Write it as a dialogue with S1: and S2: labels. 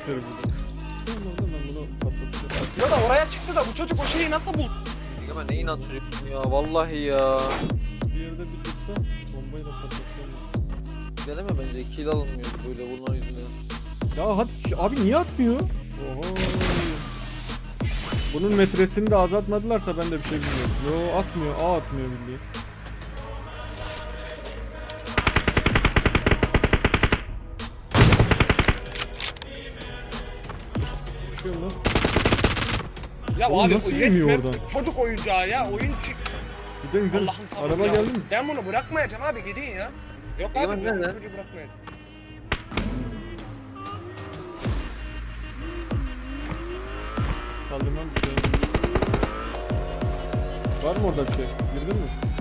S1: Siktir bunu. Ben bunu patlatacağım.
S2: Ya da oraya çıktı da bu çocuk o şeyi nasıl buldu?
S3: Egemen ne inat çocuksun ya vallahi ya.
S1: Bir yerde bir dursa bombayı da patlatacağım.
S3: Deneme bence kill alınmıyor böyle bunlar yüzünden.
S1: Ya hadi abi niye atmıyor? Oho. Bunun metresini de azaltmadılarsa ben de bir şey bilmiyorum. Yo atmıyor, atmıyor bildiğin. Düşüyor mu?
S2: Ya
S1: Oğlum
S2: abi
S1: nasıl
S2: o
S1: yemiyor
S2: resmen
S1: oradan?
S2: çocuk oyuncağı ya oyun çık.
S1: Gidelim gidelim.
S2: Allah'ım sabır
S1: Araba
S2: ya.
S1: geldi mi?
S2: Ben bunu bırakmayacağım abi gidin ya. Yok abi
S3: Egemen
S2: ben bu
S3: nerede?
S2: çocuğu bırakmayacağım.
S1: Kaldırmam düşüyor. Var mı orada bir şey? Girdin mi?